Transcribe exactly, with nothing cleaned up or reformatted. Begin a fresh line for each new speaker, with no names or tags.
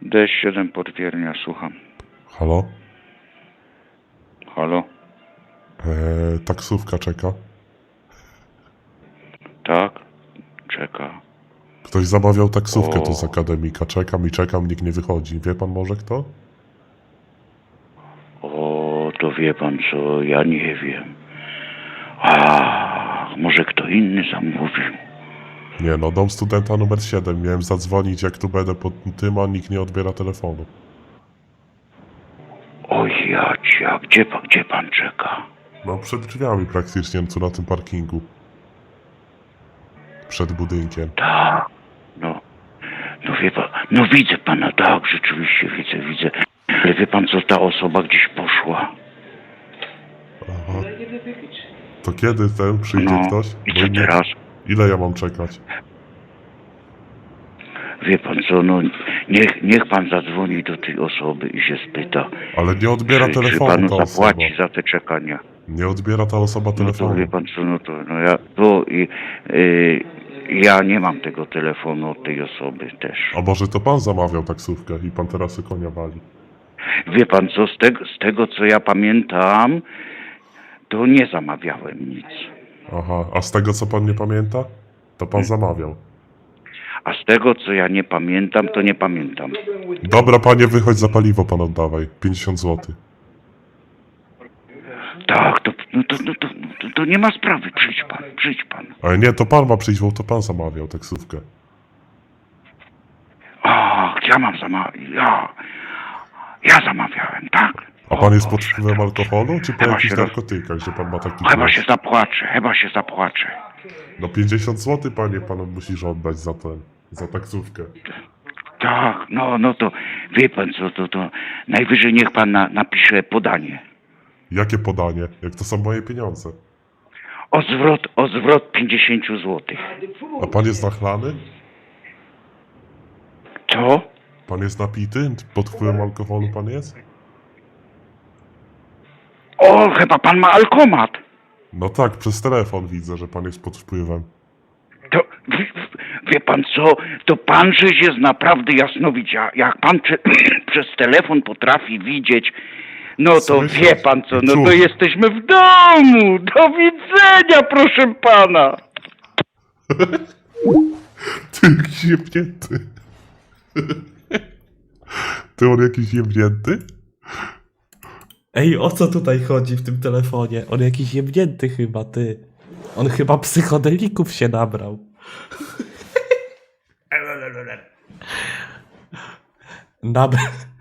D siedem Potwiernia, słucham.
Halo?
Halo?
Eee, taksówka czeka.
Tak? Czeka.
Ktoś zamawiał taksówkę
O.
tu z akademika. Czekam i czekam, nikt nie wychodzi. Wie pan może kto?
O, to wie pan co, ja nie wiem. A, może kto inny zamówił.
Nie no, dom studenta numer siedem. Miałem zadzwonić jak tu będę pod tym, a nikt nie odbiera telefonu.
Oj, Jacia, gdzie pan, gdzie pan czeka?
No przed drzwiami praktycznie, tu na tym parkingu. Przed budynkiem.
Tak, no. No wie pan, no widzę pana, tak, rzeczywiście widzę, widzę. Ale wie pan co, ta osoba gdzieś poszła.
Aha. To kiedy ten przyjdzie
No,
ktoś?
i
Bo
co
nie-
teraz?
Ile ja mam czekać?
Wie pan co, no niech, niech pan zadzwoni do tej osoby i się spyta,
Ale nie odbiera
czy, czy
telefonu
panu
ta osoba.
zapłaci za te czekania.
Nie odbiera ta osoba
No to
telefonu.
wie pan co, no to no ja, to i, y, ja nie mam tego telefonu od tej osoby też.
A może to pan zamawiał taksówkę i pan teraz y konia wali?
Wie pan co, z tego, z tego co ja pamiętam, to nie zamawiałem nic.
Aha, a z tego co pan nie pamięta? To pan zamawiał.
A z tego co ja nie pamiętam, to nie pamiętam.
Dobra panie, wychodź za paliwo pan oddawaj. pięćdziesiąt złotych.
Tak, to, no to, no to, to, to nie ma sprawy, przyjdź pan, przyjdź pan.
Ale nie, to pan ma przyjść, bo to pan zamawiał taksówkę.
Ach, ja mam zamawiać, ja, ja zamawiałem, tak?
A
O
pan jest pod
Boże,
wpływem
dobrze.
alkoholu, czy po
Chyba
jakichś
się roz-
narkotykach, że pan ma taki
Chyba
głos?
się zapłaczę, chyba się zapłaczę.
No pięćdziesiąt złotych panie, pan musisz oddać za ten, za taksówkę.
Tak, no, no to wie pan co, to, to najwyżej niech pan na, napisze podanie.
Jakie podanie? Jak to są moje pieniądze?
O zwrot, o zwrot pięćdziesiąt złotych.
A pan jest nachlany?
Co?
Pan jest napity? Pod wpływem alkoholu pan jest?
O, chyba pan ma alkomat.
No tak, przez telefon widzę, że pan jest pod wpływem.
To, wie, wie pan co, to pan żeś jest naprawdę jasnowidza. Jak pan prze, przez telefon potrafi widzieć, no to
Słyszę.
wie pan co, no to
Cóż.
jesteśmy w domu. Do widzenia, proszę pana.
Ty jakiś jebnięty. Ty on jakiś jebnięty?
Ej, o co tutaj chodzi w tym telefonie? On jakiś jebnięty chyba, ty. On chyba psychodelików się nabrał. Nab